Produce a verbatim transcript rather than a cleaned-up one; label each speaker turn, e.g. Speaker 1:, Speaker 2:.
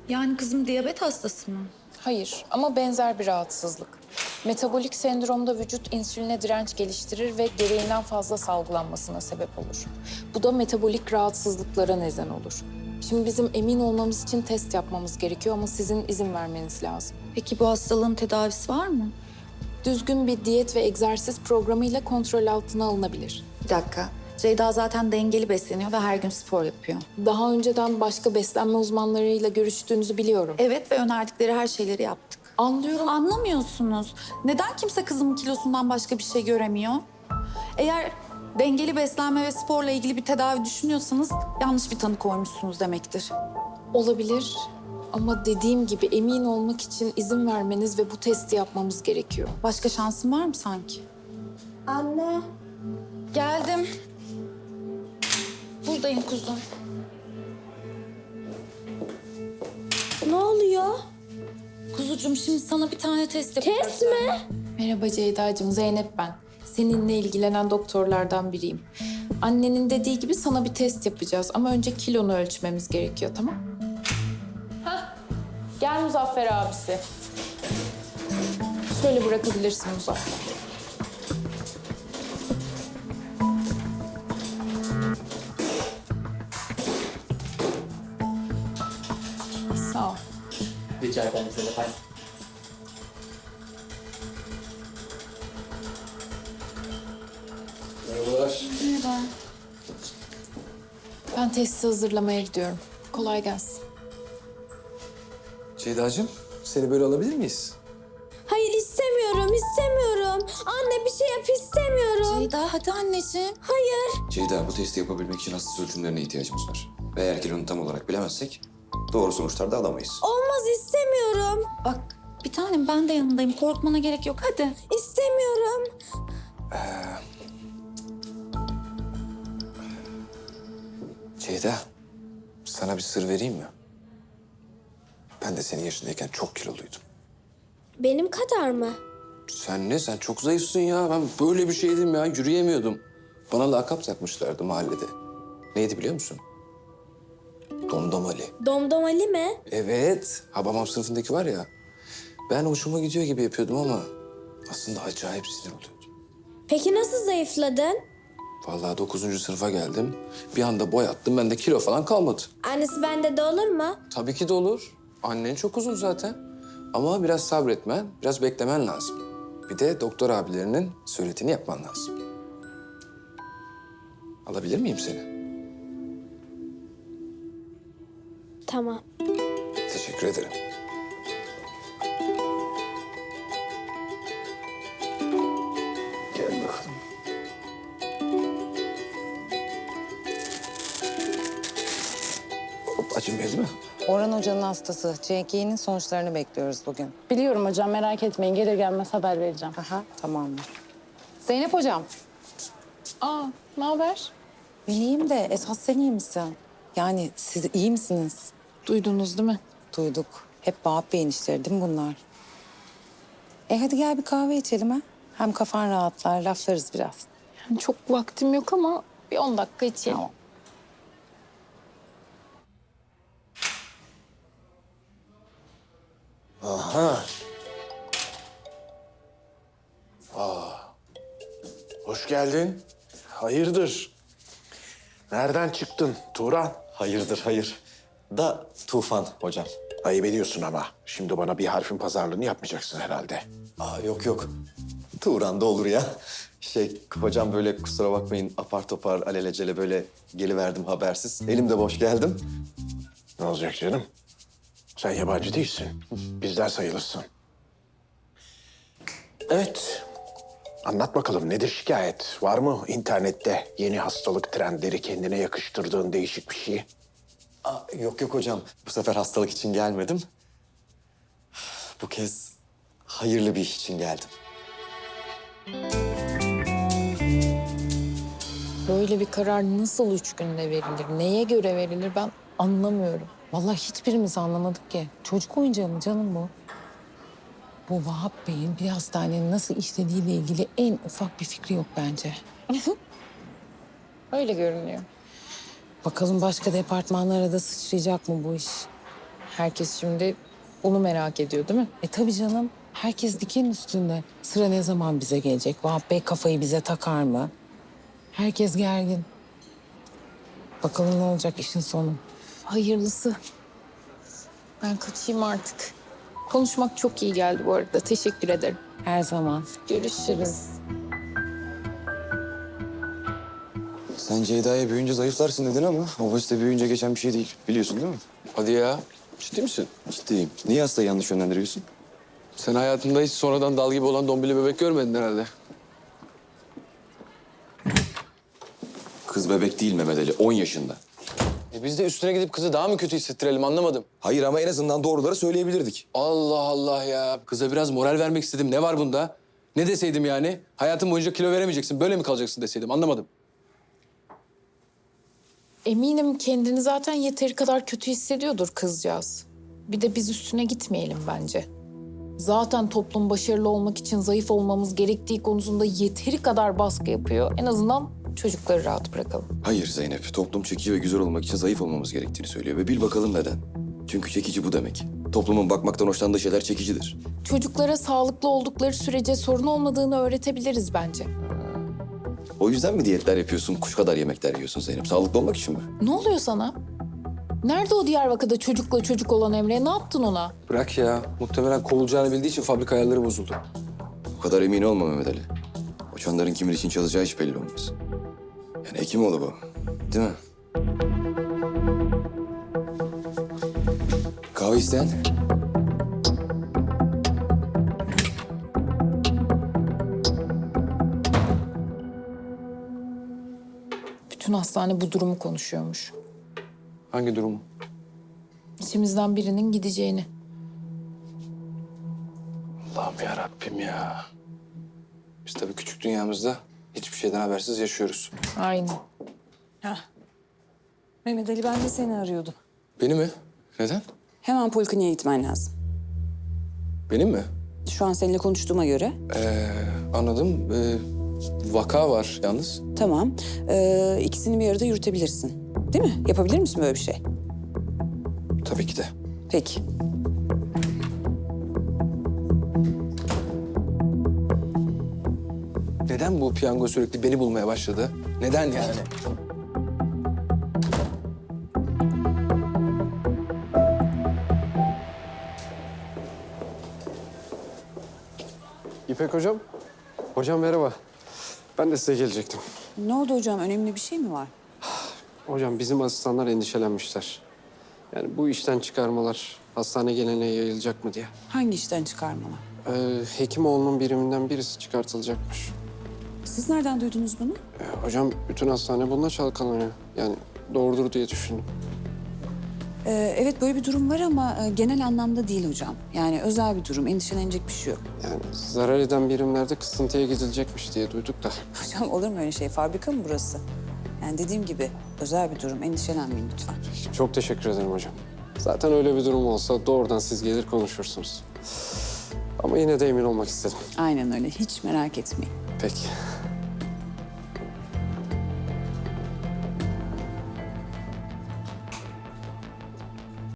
Speaker 1: Yani kızım diyabet hastası mı?
Speaker 2: Hayır ama benzer bir rahatsızlık. Metabolik sendromda vücut insüline direnç geliştirir ve gereğinden fazla salgılanmasına sebep olur. Bu da metabolik rahatsızlıklara neden olur. Şimdi bizim emin olmamız için test yapmamız gerekiyor ama sizin izin vermeniz lazım.
Speaker 1: Peki bu hastalığın tedavisi var mı?
Speaker 2: Düzgün bir diyet ve egzersiz programıyla kontrol altına alınabilir.
Speaker 1: Bir dakika. Ceyda zaten dengeli besleniyor ve her gün spor yapıyor.
Speaker 2: Daha önceden başka beslenme uzmanlarıyla görüştüğünüzü biliyorum.
Speaker 1: Evet ve önerdikleri her şeyleri yaptık.
Speaker 2: Anlıyorum.
Speaker 1: Anlamıyorsunuz. Neden kimse kızımın kilosundan başka bir şey göremiyor? Eğer dengeli beslenme ve sporla ilgili bir tedavi düşünüyorsanız yanlış bir tanı koymuşsunuz demektir.
Speaker 2: Olabilir ama dediğim gibi emin olmak için izin vermeniz ve bu testi yapmamız gerekiyor.
Speaker 1: Başka şansın var mı sanki?
Speaker 3: Anne.
Speaker 1: Geldim. Buradayım kuzum.
Speaker 3: Ne oluyor?
Speaker 1: Kuzucuğum şimdi sana bir tane test yapacağız.
Speaker 3: Test mi?
Speaker 2: Merhaba Ceyda'cığım, Zeynep ben. Seninle ilgilenen doktorlardan biriyim. Annenin dediği gibi sana bir test yapacağız ama önce kilonu ölçmemiz gerekiyor, tamam? Hah, gel Muzaffer abisi. Şöyle bırakabilirsin Muzaffer. Sağ ol.
Speaker 4: Rica ederim Zeynep Hanım.
Speaker 5: Merhabalar.
Speaker 1: Merhaba.
Speaker 2: Ben testi hazırlamaya gidiyorum. Kolay gelsin.
Speaker 5: Ceyda'cığım, seni böyle alabilir miyiz?
Speaker 3: Hayır istemiyorum, istemiyorum. Anne bir şey yap istemiyorum.
Speaker 1: Ceyda hadi anneciğim.
Speaker 3: Hayır.
Speaker 5: Ceyda, bu testi yapabilmek için hasta ölçümlerine ihtiyacımız var. Ve eğer kilonu tam olarak bilemezsek doğru sonuçlar da alamayız.
Speaker 3: Olmaz istemiyorum.
Speaker 1: Bak bir tanem ben de yanındayım. Korkmana gerek yok hadi.
Speaker 3: İstemiyorum.
Speaker 5: Ceyda, sana bir sır vereyim mi? Ben de senin yaşındayken çok kiloluydum.
Speaker 3: Benim kadar mı?
Speaker 5: Sen ne? Sen çok zayıfsın ya. Ben böyle bir şeydim ya. Yürüyemiyordum. Bana lakap takmışlardı mahallede. Neydi biliyor musun? Domdom Ali.
Speaker 3: Domdom Ali mi?
Speaker 5: Evet. Habamam sınıfındaki var ya. Ben hoşuma gidiyor gibi yapıyordum ama aslında acayip sinir oluyordum.
Speaker 3: Peki nasıl zayıfladın?
Speaker 5: Vallahi dokuzuncu sınıfa geldim. Bir anda boy attım. Bende kilo falan kalmadı.
Speaker 3: Annesi bende de olur mu?
Speaker 5: Tabii ki de olur. Annen çok uzun zaten. Ama biraz sabretmen, biraz beklemen lazım. Bir de doktor abilerinin söylediğini yapman lazım. Alabilir miyim seni?
Speaker 3: Tamam.
Speaker 5: Teşekkür ederim. Gel bakalım. Hop, acımıyor değil mi?
Speaker 6: Orhan Hoca'nın hastası. C K E'nin sonuçlarını bekliyoruz bugün.
Speaker 7: Biliyorum hocam, merak etmeyin. Gelir gelmez haber vereceğim.
Speaker 6: Aha, tamamdır. Zeynep Hocam,
Speaker 2: Aa, ne haber?
Speaker 6: ben iyiyim de esas sen iyi misin? Yani siz iyi misiniz?
Speaker 2: Duydunuz değil mi?
Speaker 6: Duyduk. Hep Vahap Bey'in işleri değil mi bunlar? E hadi gel bir kahve içelim ha. Hem kafan rahatlar, laflarız biraz.
Speaker 2: Yani çok vaktim yok ama bir on dakika içelim.
Speaker 6: Tamam.
Speaker 8: Aha. Aa. Hoş geldin. Hayırdır? Nereden çıktın Turan?
Speaker 9: Hayırdır hayır. Da Tufan hocam.
Speaker 8: Ayıp ediyorsun ama. Şimdi bana bir harfin pazarlığını yapmayacaksın herhalde.
Speaker 9: Aa yok yok. Turan da olur ya. Şey hocam böyle kusura bakmayın apar topar alelacele böyle geliverdim habersiz. Elimde boş geldim.
Speaker 8: Ne olacak canım? Sen yabancı değilsin. Bizden sayılırsın. Evet. Anlat bakalım nedir şikayet? Var mı internette yeni hastalık trendleri kendine yakıştırdığın değişik bir şey?
Speaker 9: Aa, yok yok hocam. Bu sefer hastalık için gelmedim. Bu kez hayırlı bir iş için geldim.
Speaker 2: Böyle bir karar nasıl üç günde verilir? Neye göre verilir ben anlamıyorum.
Speaker 6: Vallahi hiçbirimiz anlamadık ki. Çocuk oyuncağı mı canım bu? Bu Vahap Bey'in bir hastanenin nasıl işlediğiyle ilgili en ufak bir fikri yok bence.
Speaker 2: Öyle görünüyor.
Speaker 6: Bakalım başka departmanlara da sıçrayacak mı bu iş?
Speaker 2: Herkes şimdi onu merak ediyor değil mi?
Speaker 6: E tabii canım. Herkes diken üstünde. Sıra ne zaman bize gelecek? Vahap Bey kafayı bize takar mı? Herkes gergin. Bakalım ne olacak işin sonu.
Speaker 2: Hayırlısı. Ben kaçayım artık. Konuşmak çok iyi geldi bu arada. Teşekkür ederim.
Speaker 6: Her zaman.
Speaker 2: Görüşürüz.
Speaker 9: Sen Ceyda'ya büyüyünce zayıflarsın dedin ama obezite büyüyünce geçen bir şey değil. Biliyorsun değil mi?
Speaker 5: Hadi ya. Ciddi misin?
Speaker 9: Ciddiyim. Niye hastayı yanlış yönlendiriyorsun?
Speaker 5: Sen hayatında hiç sonradan dal gibi olan dombili bebek görmedin herhalde.
Speaker 9: Kız bebek değil Mehmet Ali, on yaşında.
Speaker 5: E biz de üstüne gidip kızı daha mı kötü hissettirelim anlamadım.
Speaker 9: Hayır ama en azından doğruları söyleyebilirdik.
Speaker 5: Allah Allah ya. Kıza biraz moral vermek istedim. Ne var bunda? Ne deseydim yani? Hayatın boyunca kilo veremeyeceksin, böyle mi kalacaksın deseydim anlamadım.
Speaker 2: Eminim kendini zaten yeteri kadar kötü hissediyordur kızcağız. Bir de biz üstüne gitmeyelim bence. Zaten toplum başarılı olmak için zayıf olmamız gerektiği konusunda yeteri kadar baskı yapıyor. En azından çocukları rahat bırakalım.
Speaker 9: Hayır Zeynep, toplum çekici ve güzel olmak için zayıf olmamız gerektiğini söylüyor. Ve bil bakalım neden. Çünkü çekici bu demek. Toplumun bakmaktan hoşlandığı şeyler çekicidir.
Speaker 2: Çocuklara sağlıklı oldukları sürece sorun olmadığını öğretebiliriz bence.
Speaker 9: O yüzden mi diyetler yapıyorsun, kuş kadar yemekler yiyorsun Zeynep? Sağlıklı olmak için mi?
Speaker 2: Ne oluyor sana? Nerede o Diyarbakır'da çocukla çocuk olan Emre? Ne yaptın ona?
Speaker 5: Bırak ya. Muhtemelen kovulacağını bildiği için fabrika ayarları bozuldu.
Speaker 9: O kadar emin olma Mehmet Ali. O çanların kimin için çalışacağı hiç belli olmaz. Yani Hekimoğlu bu. Değil mi? Kahve isteyen?
Speaker 2: Bütün hastane bu durumu konuşuyormuş.
Speaker 5: Hangi durumu?
Speaker 2: İçimizden birinin gideceğini.
Speaker 5: Allah'ım ya Rabbim ya. Biz tabii küçük dünyamızda hiçbir şeyden habersiz yaşıyoruz.
Speaker 2: Aynen.
Speaker 10: Mehmet Ali, ben de seni arıyordum.
Speaker 5: Beni mi? Neden?
Speaker 10: Hemen polikliniğe gitmen lazım.
Speaker 5: Benim mi?
Speaker 10: Şu an seninle konuştuğuma göre.
Speaker 5: Ee, anladım. Ee, vaka var yalnız.
Speaker 10: Tamam. Ee, ikisini bir arada yürütebilirsin. Değil mi? Yapabilir misin böyle bir şey?
Speaker 5: Tabii ki de.
Speaker 10: Peki.
Speaker 5: Neden bu piyango sürekli beni bulmaya başladı? Neden yani?
Speaker 11: İpek hocam. Hocam merhaba. Ben de size gelecektim.
Speaker 10: Ne oldu hocam? Önemli bir şey mi var?
Speaker 11: Hocam bizim asistanlar endişelenmişler. Yani bu işten çıkarmalar hastane geleneğe yayılacak mı diye.
Speaker 10: Hangi işten çıkarmalar?
Speaker 11: Ee, Hekimoğlu'nun biriminden birisi çıkartılacakmış.
Speaker 10: Siz nereden duydunuz bunu?
Speaker 11: Ee, hocam bütün hastane bununla çalkalanıyor. Yani doğrudur diye düşündüm.
Speaker 10: Ee, evet, böyle bir durum var ama e, genel anlamda değil hocam. Yani özel bir durum. Endişelenecek bir şey yok.
Speaker 11: Yani zarar eden birimlerde kısıntıya gidilecekmiş diye duyduk da.
Speaker 10: Hocam olur mu öyle şey? Fabrika mı burası? Yani dediğim gibi özel bir durum. Endişelenmeyin lütfen.
Speaker 11: Çok teşekkür ederim hocam. Zaten öyle bir durum olsa doğrudan siz gelir konuşursunuz. Ama yine de emin olmak istedim.
Speaker 10: Aynen öyle. Hiç merak etmeyin.
Speaker 11: Peki.